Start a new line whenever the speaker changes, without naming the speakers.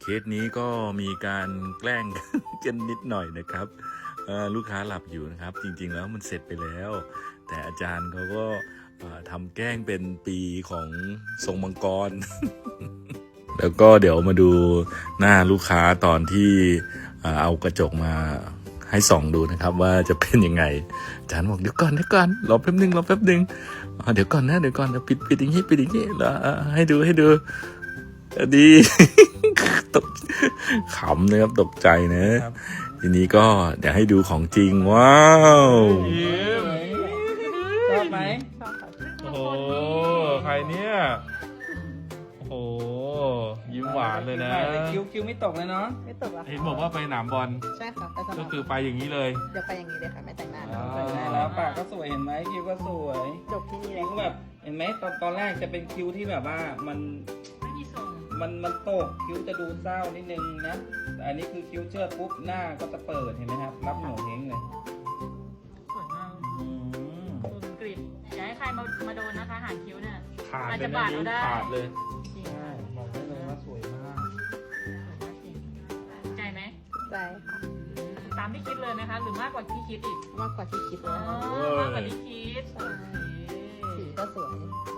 เคสนี้ก็มีการแกล้ง กันนิดหน่อยนะครับลูกค้าหลับอยู่นะครับจริงๆแล้วมันเสร็จไปแล้ว แต่อาจารย์เขาก็ทำแกล้งเป็นปีของทรงมังกร แล้วก็เดี๋ยวมาดูหน้าลูกค้าตอนที่เอากระจกมาให้ส่องดูนะครับว่าจะเป็นยังไงอาจารย์บอกเดี๋ยวก่อนรอแป๊บนึงเดี๋ยวก่อนปิดอย่างนี้แล้วให้ดูดี ตกขำนะครับตกใจนะทีนี้ก็เดี๋ยวให้ดูของจริงว้าว
ชอบไหม
โอ้โหใครเนี่ยโอ้โหยิ้มหวานเลยนะ
คิ้วไม่ตกเลยเนาะ
ไม่ตกหรอ
เห็นบอกว่าไปหนามบอล
ใช่ค่ะไปสนาม
ก็คือไปอย่างนี้เลย
เดี๋ยวไปอย่างนี้เลยค่ะไม่แต่งหน้า
ใส่ได้แล้วปากก็สวยเห็นไหมคิ้วก็สวย
จบที่นี่เล
คิ้
ยว
แบบเห็นไหมตอนแรกจะเป็นคิ้วที่แบบว่ามันตกคิ้วจะดูเศร้านิดนึงนะแต่อันนี้คือคิ้วเชิดปุ๊บหน้าก็จะเปิดเห็นไหมครับรับหนูเฮงเลย
สวยมาก
อืม
คุณกริบอย่าให้ใครมาโดนนะคะหางคิ้วเนี่ย
ขาด
อาจ
เล
จะ
ย
บา
นะ
ด
นิ้ว
เราได้
ขาดเลย
จริง
ใช่บอกได้เลยว่าสวยมาก
ใจไหม
ใจค่ะ
ตามที่คิดเลยไหมคะ หรือมากกว่าที่คิดอีก
มากกว่าที่คิดเล
อ๋อย
ค่ะ
มากกว่าที่คิด
สีก็สวย
ส